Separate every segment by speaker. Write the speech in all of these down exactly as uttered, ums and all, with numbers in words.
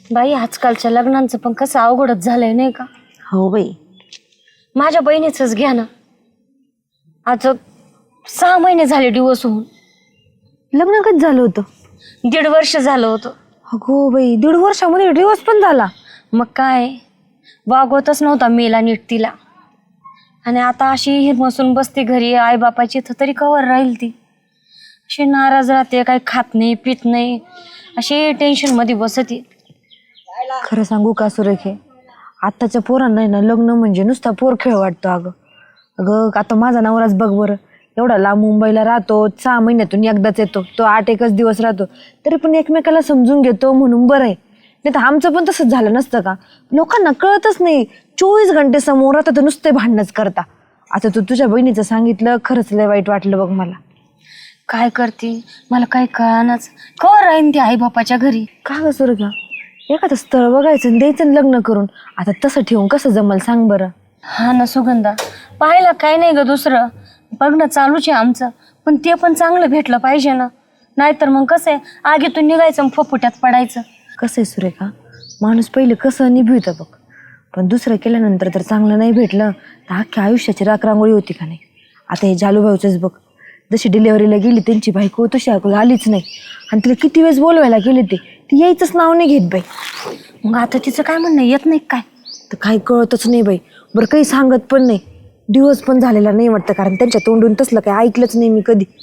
Speaker 1: बाई आजकालच्या लग्नांचं पण कसं अवघडच झालंय नाही का?
Speaker 2: हो बाई.
Speaker 1: माझ्या बहिणीचंच घ्या ना, आता सहा महिने झाले डिवोर्स होऊन.
Speaker 2: लग्न कधी झालं होतं?
Speaker 1: दीड वर्ष झालं होतं.
Speaker 2: अगो बाई, दीड वर्षामध्ये डिवोर्स पण झाला?
Speaker 1: मग काय, वागवतच नव्हता मेला नीट तिला. आणि आता अशी हिरमसून बसते घरी आईबापाची, तर तरी कवर राहील ती. अशी नाराज राहते, काही खात नाही पित नाही, अशी टेन्शन मध्ये बसते.
Speaker 2: खरं सांगू का सुरेखे, आत्ताच्या पोरांना ना लग्न म्हणजे नुसता पोर खेळ वाटतो. अगं अगं आता माझा नवराच बघ बरं, एवढा लांब मुंबईला राहतो, सहा महिन्यातून एकदाच येतो, तो आठ एकच दिवस राहतो, तरी पण एकमेकाला समजून घेतो म्हणून बरं आहे. नाही तर आमचं पण तसंच झालं नसतं का? लोकांना कळतच नाही, चोवीस घंटे समोर आता तर नुसते भांडणच करता. आता तू तुझ्या बहिणीचं सांगितलं, खरंच लय वाईट वाटलं बघ मला.
Speaker 1: काय करते मला काही कळानाच, कवर राहीन ती आई बापाच्या घरी.
Speaker 2: का ग सुरेखा, एखादं स्थळ बघायचं आणि द्यायचं लग्न करून. आता तसं ठेवून कसं जमल सांग बरं?
Speaker 1: हा ना सुगंधा, पाहायला काय नाही ग दुसरं, बघणं चालूच आहे आमचं, पण ते पण चांगलं भेटलं पाहिजे ना. नाहीतर मग कसं आहे, आगीतून निघायचं फपुट्यात पडायचं.
Speaker 2: कसं आहे सुरेखा, माणूस पहिले कसं निभवतं बघ, पण दुसरं केल्यानंतर तर चांगलं नाही भेटलं तर अख्ख्या आयुष्याची राखरांगोळी होती का नाही. आता हे जालूभाऊचंच बघ, जशी डिलेवरीला गेली त्यांची बायको तशी ऐकू आलीच नाही, आणि तिला किती वेळेस बोलवायला गेले ते ती यायचंच नाव नाही घेत बाई.
Speaker 1: मग आता तिचं काय म्हणणं, येत नाही काय?
Speaker 2: तर काही कळतच नाही बाई. बरं काही सांगत पण नाही, दिवस पण झालेला नाही वाटतं, कारण त्यांच्या तोंडून तसलं काही ऐकलंच नाही मी कधी.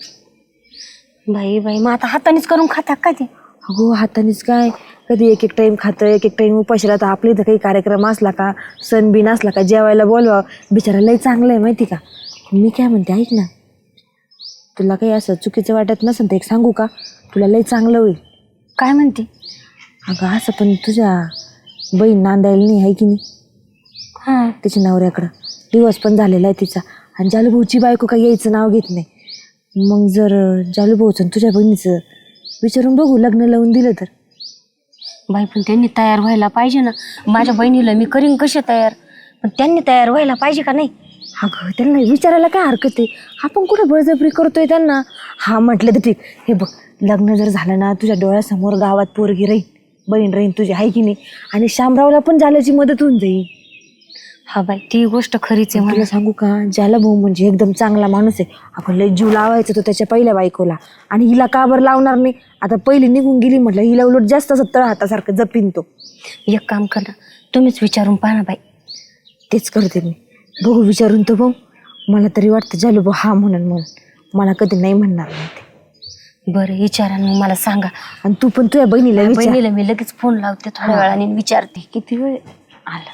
Speaker 1: बाई बाई, मग आता हातानेच करून खाता काय ते?
Speaker 2: अगो हातानेच काय, कधी एक एक टाईम खातं, एक एक टाईम उपाशी राहतं. आपल्या इथं काही कार्यक्रम असला का, सण बिन असला का, जेवायला बोलवा, बिचारा लय चांगलं आहे माहिती का. मी काय म्हणते ऐक ना, तुला काही असं चुकीचं वाटत नसेल तर एक सांगू का, तुला लय चांगलं होईल.
Speaker 1: काय म्हणते?
Speaker 2: अगं असं पण तुझ्या बहीण नांदायला नाही आहे की नाही,
Speaker 1: हां
Speaker 2: तिच्या नवऱ्याकडं दिवस पण झालेला आहे तिचा, आणि जालूभाऊची बायको काही यायचं नाव घेत नाही. मग जर जालूभाऊचं तुझ्या बहिणीचं विचारून बघू, लग्न लावून दिलं तर.
Speaker 1: बाई पण त्यांनी तयार व्हायला पाहिजे ना, माझ्या बहिणीला मी करीन कशी तयार, पण त्यांनी तयार व्हायला पाहिजे का नाही?
Speaker 2: अगं त्यांना विचारायला काय हरकत आहे, आपण कुठं बळजबरी करतोय त्यांना. हा म्हटलं तर ठीक, हे बघ लग्न जर झालं ना, तुझ्या डोळ्यासमोर गावात पोरगी राहील, बहीण राहीन तुझी आहे की नाही, आणि शामरावला पण जाल्याची मदत होऊन जाईल.
Speaker 1: हा बाई ती गोष्ट खरीच आहे.
Speaker 2: मला सांगू का, जाला भाऊ म्हणजे एकदम चांगला माणूस आहे. आपण लय जीव लावायचा तो त्याच्या पहिल्या बायकोला, आणि हिला का बरं लावणार नाही? आता पहिली निघून गेली म्हटलं, हिला उलट जास्त असं तळ हातासारखं जपीन तो.
Speaker 1: एक काम कर ना, तुम्हीच विचारून पाहा ना बाई.
Speaker 2: तेच करते मी, बघू विचारून तो भाऊ. मला तरी वाटतं जालू भाऊ हा म्हणून म्हणून मला कधी नाही म्हणणार नाही ते.
Speaker 1: बरं विचारा मग मला सांगा.
Speaker 2: आणि तू पण तुझ्या बहिणीला विचार.
Speaker 1: बहिणीला मी लगेच फोन लावते थोड्या वेळाने, विचारते.
Speaker 2: किती वेळ
Speaker 1: आला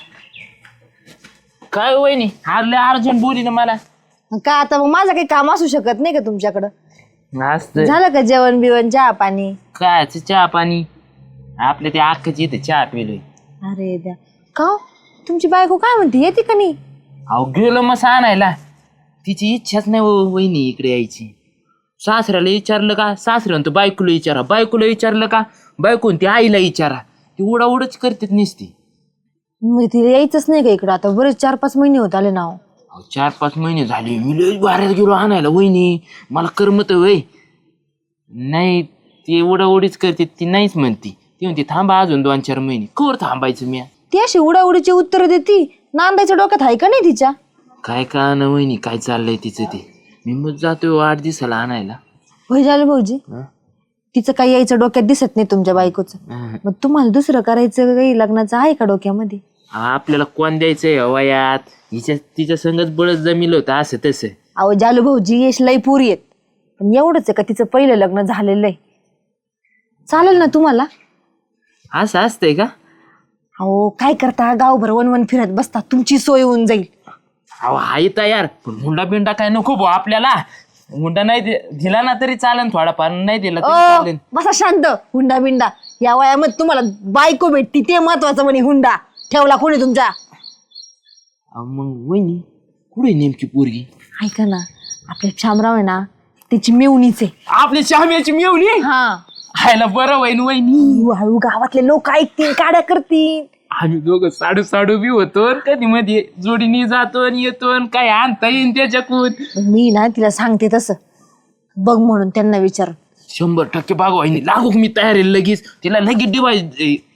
Speaker 3: काय वहिनी, हारले अर्जंट बोली ना मला.
Speaker 2: का आता मग माझं काही काम असू शकत नाही का तुमच्याकडं?
Speaker 3: असतं
Speaker 2: झालं का जेवण बिवण, चहा पाणी?
Speaker 3: काय चहा पाणी आपल्या त्या अख्खाची इथे चहा पिलोय.
Speaker 2: अरे द्या का हो? तुमची बायको काय म्हणते, येते का नाही?
Speaker 3: अहो गेलो मग आणायला, तिची इच्छाच नाही हो वहिनी इकडे यायची. सासऱ्याला विचारलं का, सासऱ्यानं तो बायकोला विचारा, बायकोला विचारलं का, बायकोन ती आईला विचारा, ती उडाउडच करतेत नुसती.
Speaker 2: मग तिला यायचंच नाही का इकडं? आता बरेच चार पाच महिने होत आले ना.
Speaker 3: अहो चार पाच महिने झाले मी लय बाहेर गेलो आणायला वहिनी, मला करमत वय नाही. ती उडाउडीच करते, ती नाहीच म्हणती. ती म्हणते थांबा अजून दोन चार महिने. कवर थांबायचं मी?
Speaker 2: ती अशी उडाउडीची उत्तर देती, नांदायच्या डोक्यात आहे का नाही तिच्या?
Speaker 3: काय का ना वहिनी, काय चाललंय तिचं ते. मी मग जातोय आठ दिवसाला आणायला.
Speaker 2: होय झालं भाऊजी, तिचं काही यायचं डोक्यात दिसत नाही तुमच्या बायकोचं. मग तुम्हाला दुसरं करायचं काही लग्नाचं आहे का डोक्यामध्ये?
Speaker 3: आपल्याला कोण द्यायचंय वयात, हिच्या तिच्या संगच बळच जमिलं होतं असं तसं.
Speaker 2: अहो जालू भाऊजी यश लई पुरी आहेत, पण एवढंच आहे का तिचं पहिलं लग्न झालेलं आहे. चालेल ना तुम्हाला?
Speaker 3: असं असतंय का?
Speaker 2: अहो काय करता, गावभर वनवन फिरत बसता, तुमची सोय होऊन जाईल.
Speaker 3: अहो आहे तयार, पण हुंडा बिंडा काय नको भाऊ आपल्याला. हुंडा नाही दि- दिला ना तरी चालेल, थोडाफार नाही दिला तरी
Speaker 2: ओ
Speaker 3: चालेल.
Speaker 2: बसा शांत. हुंडा बिंडा या वयामध्ये तुम्हाला बायको भेटती ते महत्वाचं, म्हणे हुंडा ठेवला कोणी तुमच्या?
Speaker 3: अहो, मग वहिनी कुठे नेमकी पोरगी?
Speaker 2: ऐका ना, आपले शामराव आहे ना, तिची मेवणीच आहे.
Speaker 3: आपली शाम्याची मिळवली
Speaker 2: हा,
Speaker 3: हायला बरं वहिनी. वहिनी
Speaker 2: हळू हळू गावातले लोक ऐकतील, काड्या करतील.
Speaker 3: आम्ही दोघं साडू साडू बी होतो, कधी मध्ये जोडीने जातो आणि येतो, काय आणता येईन त्याच्याकून.
Speaker 2: मी ना तिला सांगते तसं बघ म्हणून त्यांना विचार.
Speaker 3: शंभर टक्के बाग वहिनी लागू मी तयार आहे लगेच. तिला लगेच डिवाइस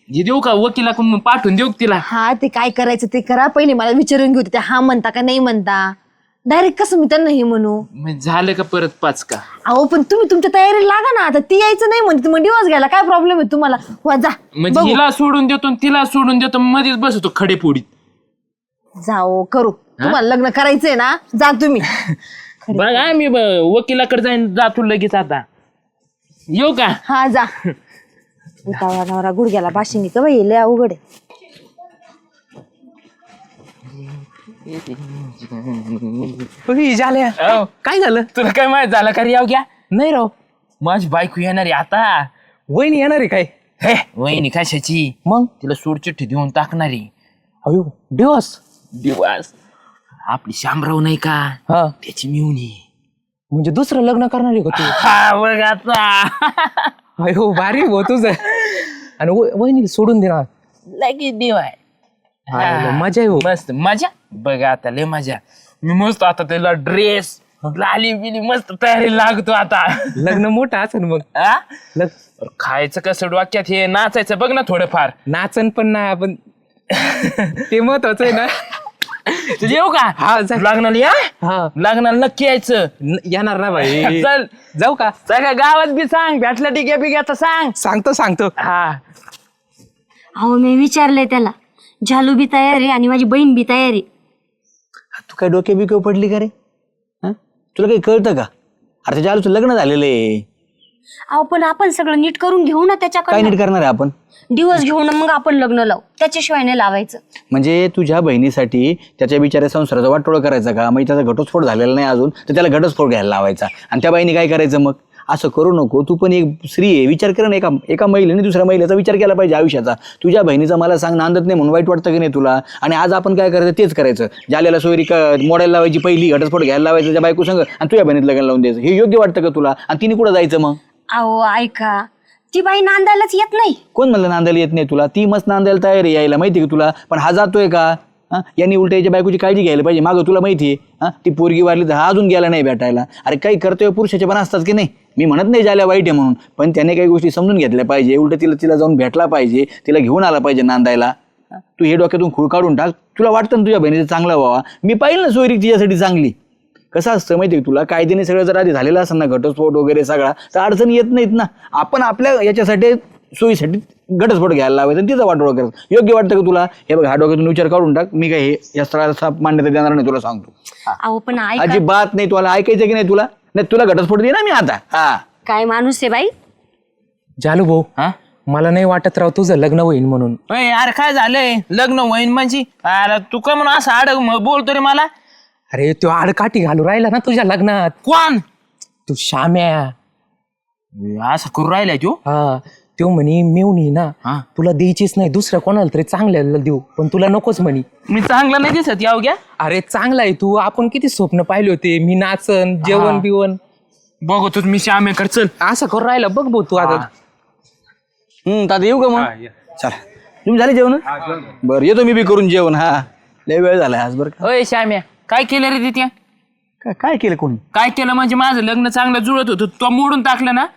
Speaker 3: जे देऊ का वकिलाकडून पाठवून देऊ का तिला?
Speaker 2: हा ते काय करायचं ते करा, पहिले मला विचारून घेऊ ते हा म्हणता का नाही म्हणता. डायरेक्ट कसं मी त्यांना हे म्हणू.
Speaker 3: मग झालं का परत पाच का?
Speaker 2: अहो पण तुम्ही तुमच्या तयारीला लागा ना. आता ती यायचं नाही म्हणते मग दिवस घ्यायला काय प्रॉब्लेम आहे तुम्हाला. वा जा
Speaker 3: म्हणजे हिला सोडून देतो आणि तिला सोडून देतो, मध्येच बसतो खडेपोडीत.
Speaker 2: जाओ करू. तुम्हाला लग्न करायचंय ना, जा तुम्ही.
Speaker 3: बघा मी वकिलाकडे जाईन, जातो लगेच आता. येऊ का?
Speaker 2: हा जा. उतावळा नवरा गुडघ्याला बाशिंगी का बाई, लय अवघड आहे.
Speaker 4: झाल्या
Speaker 3: अहो,
Speaker 4: काय झालं?
Speaker 3: तुला काय माहित झालं का रे? याव घ्या,
Speaker 4: नाही राव,
Speaker 3: माझी बायको येणार आहे आता.
Speaker 4: वहिनी येणार आहे काय?
Speaker 3: हे वहिनी कशाची?
Speaker 4: मग
Speaker 3: तिला सोडचिठ्ठी देऊन टाकणारी.
Speaker 4: अयो दिवस
Speaker 3: दिवस आपली शामराव नाही का,
Speaker 4: हा
Speaker 3: त्याची मिळून.
Speaker 4: म्हणजे दुसरं लग्न करणार आहे का तू?
Speaker 3: हा बघ आता.
Speaker 4: अयो भारी हो तुझं. आणि व- वहिनीला सोडून देणार.
Speaker 3: लगेच दिवाय.
Speaker 4: अरे, मजा आहे हो.
Speaker 3: मस्त मजा. बघ आता लय मजा. मी मस्त आता त्याला ड्रेस लाली बिली मस्त तयारी लागतो आता.
Speaker 4: लग्न मोठं असेल मग.
Speaker 3: आ?
Speaker 4: लग
Speaker 3: खायचं कसं डोक्यात, हे नाचायचं बघ ना थोडंफार.
Speaker 4: नाचन पण नाही आपण. ते महत्वाचं आहे ना.
Speaker 3: तुझे येऊ का?
Speaker 4: हा जा.
Speaker 3: लग्नाला या.
Speaker 4: हा
Speaker 3: लग्नाला नक्की यायचं.
Speaker 4: न- येणार ना भाई.
Speaker 3: चल
Speaker 4: जाऊ का?
Speaker 3: सगळ्या गावात बी सांग, भेटला टिक्या बिक्याचं सांग.
Speaker 4: सांगतो सांगतो.
Speaker 3: हा
Speaker 1: अहो मी विचारलंय त्याला, झालू बी तयार आहे आणि माझी बहीण बी तयार आहे.
Speaker 5: तू काय डोके बिके पडली का रे? हा? तुला काही कळतं का? अरे त्याच्या आलूचं लग्न झालेलं आहे.
Speaker 1: अहो पण आपण सगळं नीट करून घेऊ ना
Speaker 5: काय
Speaker 1: त्याच्याकडे.
Speaker 5: नीट करणार आहे आपण?
Speaker 1: दिवस घेऊ ना मग आपण लग्न लावू, त्याच्याशिवाय नाही लावायचं.
Speaker 5: म्हणजे तुझ्या बहिणीसाठी त्याच्या बिचाऱ्या संसाराचा वाटोळा करायचा का? मग त्याचा घटस्फोट झालेला नाही अजून, तर त्याला घटस्फोट घ्यायला लावायचा. आणि त्या बाईने काय करायचं मग? असं करू नको. तू पण एक स्त्री आहे, विचार कर ना. एका एका महिलेने दुसऱ्या महिलेचा विचार केला पाहिजे आयुष्याचा. तुझ्या बहिणीचा मला सांग नांदत नाही म्हणून वाईट वाटतं की नाही तुला? आणि आज आपण काय करायचं तेच करायचं. जाल्याला सोयरी मोडायला लावायची, पहिली घटस्फोट घ्यायला लावायचं त्याच्या बायको संग, आणि तुझ्या बहिणीत लग्न लावून द्यायचं. हे योग्य वाटतं का तुला? आणि तिने कुठं जायचं मग?
Speaker 1: अहो ऐका, ती बाई नांदायलाच येत नाही.
Speaker 5: कोण म्हणलं नांदायला येत नाही तुला? ती मस्त नांदायला तयार आहे यायला, माहिती का तुला? पण हा जातोय का? हा, यांनी उलट याच्या बायकोची काळजी घ्यायला पाहिजे. मागं तुला माहिती आहे, हा ती पोरगी वारली तर हा अजून गेला नाही भेटायला. अरे काही कर्तव्य पुरुषाचे पण असतात की नाही. मी म्हणत नाही झाल्या वाईट आहे म्हणून, पण त्याने काही गोष्टी समजून घेतल्या पाहिजे. उलट तिला तिला जाऊन भेटला पाहिजे, तिला घेऊन आला पाहिजे नांदायला. तू हे डोक्यातून खूळ काढून टाक. तुला वाटतं ना तुझ्या बहिणीचं चांगला व्हावा? मी पाहिलं ना सोयरी तिच्यासाठी चांगली. कसं असतं माहिती आहे तुला? कायद्याने सगळं जर आधी झालेलं असेल ना, घटस्फोट वगैरे सगळा, तर अडचण येत नाहीत ना. आपण आपल्या याच्यासाठी सोयीसाठी घटस्फोट घ्यायला लावायचं आणि तिचा वाटोळा करायचं. योग्य वाटतं का तुला? हे बघ, हा डोक्यातून विचार काढून टाक. मी काय हे या स्थळाला मान्यता देणार नाही, तुला सांगतो.
Speaker 1: अहो पण ऐका,
Speaker 5: अजिबात नाही. तुला ऐकायचं की नाही? तुला नाही, तुला घटस्फोट दे ना मी आता. हा
Speaker 1: काय माणूस आहे बाई.
Speaker 4: जालू भाऊ,
Speaker 3: हा
Speaker 4: मला नाही वाटत राव तुझं लग्न होईल म्हणून.
Speaker 3: अय, अरे काय झालंय? लग्न होईन म्हणजे? अरे तू का म्हणून असं आड बोलतो रे मला?
Speaker 4: अरे तो आडकाठी घालू राहिला ना तुझ्या लग्नात.
Speaker 3: कोण?
Speaker 4: तू श्याम्या.
Speaker 3: असं करू राहिलाय तू?
Speaker 4: हा तो म्हणे मेवणी ना
Speaker 3: हा.
Speaker 4: तुला द्यायचीच नाही, दुसऱ्या कोणाला तरी चांगल्याला देऊ, पण तुला नकोच म्हणे.
Speaker 3: मी चांगला नाही दिसत याव घ्या.
Speaker 4: अरे चांगला आहे तू. आपण किती स्वप्न पाहिले होते, मी नाचन जेवण बिवण.
Speaker 3: बघतो मी श्यामेकडे. चल
Speaker 4: असं करू राहिला बघ भाऊ तू आता.
Speaker 5: हम्म आता येऊ का मग? चला, तुम्ही झाले जेवण? बरं येतो मी बी करून जेवण. हा लय वेळ झालाय आज. बरं का?
Speaker 3: अय श्याम्या, काय केलं रे तिथे?
Speaker 5: काय काय केलं कोणी?
Speaker 3: काय केलं म्हणजे? माझं लग्न चांगलं जुळत होतं, तो मोडून टाकलं ना.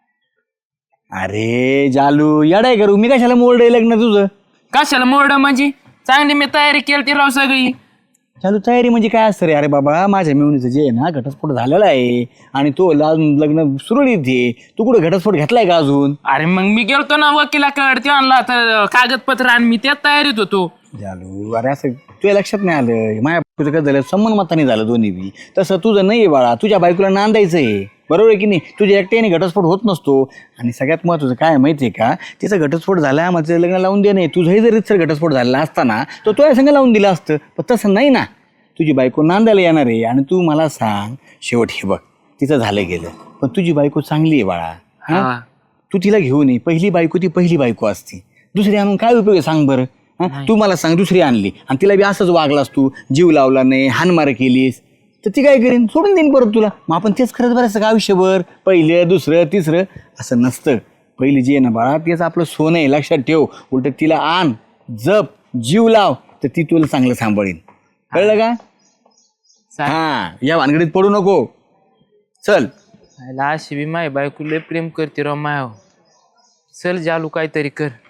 Speaker 5: अरे जालू येडाय करू मी कशाला मोरडे लग्न तुझं?
Speaker 3: कशाला मोरड म्हणजे? चांगली मी तयारी केली ती राव सगळी.
Speaker 5: चालू तयारी म्हणजे काय असतं रे? अरे बाबा माझ्या मेवणीचं जे आहे ना घटस्फोट झालेला आहे आणि तो ला- लग्न सुरळीत आहे. तू कुठं घटस्फोट घेतलाय का अजून?
Speaker 3: अरे मग मी गेलतो ना वकिलाकडे, ते आणला तर कागदपत्र आणि मी त्यात तयारीत होतो.
Speaker 5: जालू अरे असं तुझ्या लक्षात नाही आलं? माझ्या बायकोचं काय झालं, संबंध मताने झालं दोन्ही बी. तसं तुझं नाही बाळा, तुझ्या बायकोला नांदायचं आहे. बरोबर आहे की नाही? तुझ्या एकट्याने घटस्फोट होत नसतो. आणि सगळ्यात महत्त्वाचं काय माहिती आहे का? तिचा घटस्फोट झाला, मग तिचं लग्न लावून दे. नाही तुझंही जर सर घटस्फोट झालेला असताना तर तुझ्या संग लावून दिलं असतं, पण तसं नाही ना. तुझी बायको नांदायला येणार आहे आणि तू मला सांग शेवट, हे बघ तिचं झालं गेलं, पण तुझी बायको चांगली आहे बाळा. हा तू तिला घेऊन ये. पहिली बायको ती पहिली बायको असते. दुसरी आणून काय उपयोग आहे सांग बरं? हा तू मला सांग, दुसरी आणली आणि तिला बी असंच वागलास तू, जीव लावला नाही, हानमार केलीस, तर ती काय करेन? सोडून देईन परत तुला. मग आपण तेच करत बरायचं का आयुष्यभर? पहिलं दुसरं तिसरं असं नसतं. पहिली जी आहे ना बाळा, तेच आपलं सोनं आहे, लक्षात ठेव. उलट तिला आण, जप, जीव लाव, तर ती तुला चांगलं सांभाळीन. कळलं का? हा या भानगडीत पडू नको. चल.
Speaker 3: अशी बी माय बायको लय प्रेम करते राव माय. चल जालू काहीतरी कर.